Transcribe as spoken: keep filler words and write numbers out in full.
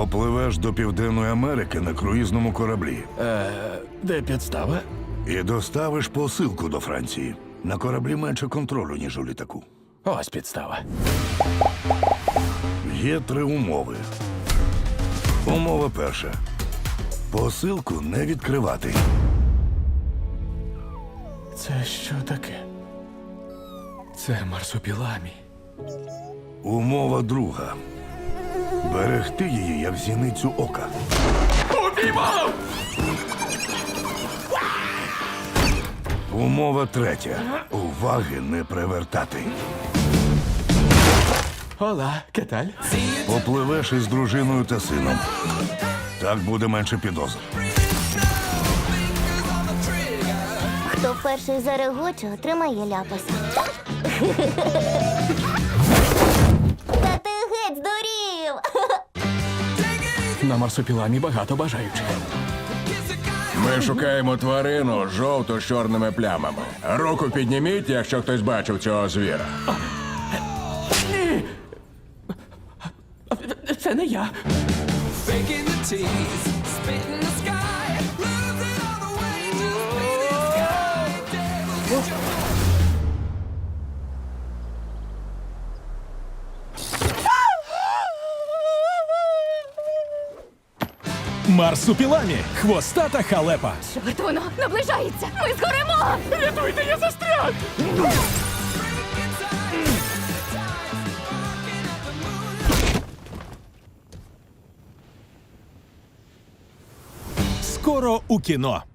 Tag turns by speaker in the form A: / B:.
A: Попливеш до Південної Америки на круїзному кораблі
B: Е, де підстава?
A: і доставиш посилку до Франції. На кораблі менше контролю, ніж у літаку.
B: Ось підстава.
A: Є три умови. Умова перша. Посилку не відкривати.
B: Це що таке? Це марсупіламі.
A: Умова друга. Берегти її, як зіницю ока.
B: Упіймав!
A: Умова третя. Уваги не привертати.
B: Ола, кеталь?
A: Попливеш із дружиною та сином. Так буде менше підозр.
C: Хто перший зарегоче, отримає ляпаса. Та ти геть здурів!
B: На марсупіламі багато бажаючих.
D: Ми шукаємо тварину з жовто-чорними плямами. Руку підніміть, якщо хтось бачив цього звіра.
B: Ні! Це не я.
E: Faking the tease, spitting the sky, losing all the way, just breathing sky.
F: Марсупіламі. Хвостата халепа.
G: Чорт, воно наближається! Ми згоремо!
B: Рятуйте, я застряг!
F: Скоро у кіно.